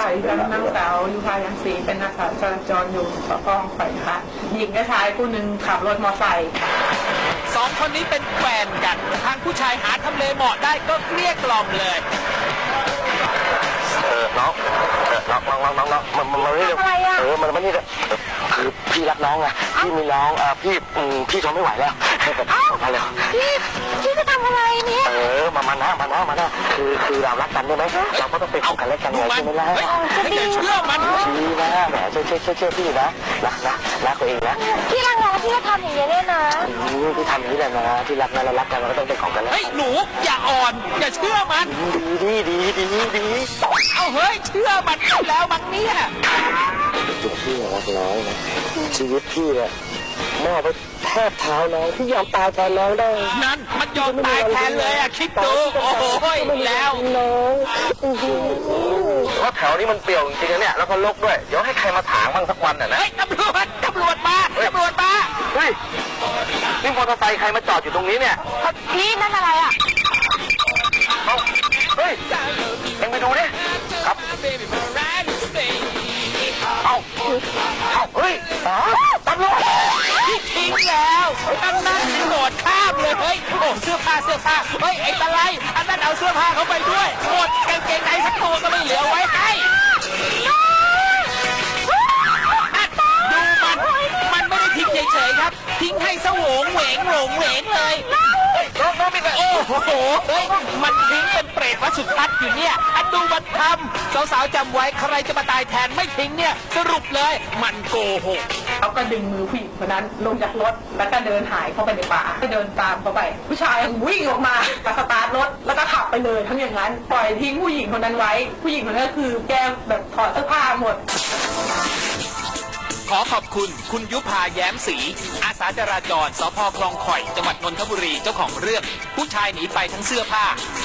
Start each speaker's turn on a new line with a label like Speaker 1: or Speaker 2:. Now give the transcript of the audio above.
Speaker 1: นางสาวยุพายังศรีเป็นอาสาจราจรอยู่สพคลองไผ่ค่ะหญิงกับชายผู้หนึ่งขับรถมอเตอร์ไซค์
Speaker 2: สองคนนี้เป็นแฟนกันทางผู้ชายหาทำเลเหมาะได้ก็เกลี้ยกล่อมเลย
Speaker 3: น้องมันไม่ได้มันไม่ได้คือพี่รักน้องไงพี่มีน้องพี่ทนไม่ไหวแล้วมาเลย
Speaker 4: พี่จะทำอะไรเนี่ย
Speaker 3: มานะคือเรารักกันได้ไหมเราก็ต้องเป็นของกันและกันไงใช่ไหมล่ะ
Speaker 2: อย่าเชื่อมัน
Speaker 3: ดีนะแหมเชื่อพี่นะรักตัวเองนะ
Speaker 4: พี่รักน้องพี่จะทำอย่างนี้เนี่ยนะ
Speaker 3: พี่ทำอย่างนี้แหละนะที่รักนะเรารักกันเราก็ต้องเป็นของกันแล้ว
Speaker 2: หนูอย่าอ่อนอย่าเชื่อมัน
Speaker 3: ดี
Speaker 2: เอาเฮ้ยเชื่อมันแล้วมันเนี่ย
Speaker 3: ตัวพี่รักน้องนะชีวิตพี่เนี่ยมอบไปแทบเท้าน้องพี่ยอมตายแทนน้องได้
Speaker 2: นั่นมันยอมตายแทนเลยคิดดูโอ้โหแล้ว
Speaker 3: น้องเพราะแถวนี้มันเปลี่ยวจริงๆเนี่ยแล้วก็รกด้วยเดี๋ยวให้ใครมาถางบ้างสักวันน่ะนะ
Speaker 2: ตำรวจมา
Speaker 3: เฮ้ยนี่มอเตอร์ไซค์ใครมาจอดอยู่ตรงนี้เนี่ย
Speaker 4: พี่นั่นอะไรอ่ะ
Speaker 3: เฮ้ยเอ็งไปดูดิครับเฮ้ยตำรวจ
Speaker 2: ทิ้งแล้วนั่นโดดข้ามเลยเฮ้ยโอ้เสื้อผ้าเฮ้ยไอ้ตะไลอันนั้นเอาเสื้อผ้าเขาไปด้วยหมดกางเกงในสักตัวก็ไม่เหลือไว้ให้ดูมันไม่ได้ทิ้งเฉยๆครับทิ้งให้สวงเหวงเลยโอ้โหเฮ้ยมันทิ้งเป็นเปรตวัดสุทัศน์อยู่เนี่ยดูมันทำสาวๆจำไว้ใครจะมาตายแทนไม่ทิ้งเนี่ยสรุปเลยมันโกหก
Speaker 1: เขาก็ดึงมือผู้หญิงคนนั้นลงจากรถแล้วก็เดินหายเข้าไปในป่าก็เดินตามเขาไปผู้ชายวิ่งออกมาสตาร์ทรถแล้วก็ขับไปเลยทั้งอย่างนั้นปล่อยทิ้งผู้หญิงคนนั้นไว้ผู้หญิงคนนั้นก็คือแกแบบถอดเสื้อผ้าหมด
Speaker 2: ขอขอบคุณยุพาแย้มศรีอาสาจราจรสพคลองข่อยจังหวัดนนทบุรีเจ้าของเรื่องผู้ชายหนีไปทั้งเสื้อผ้า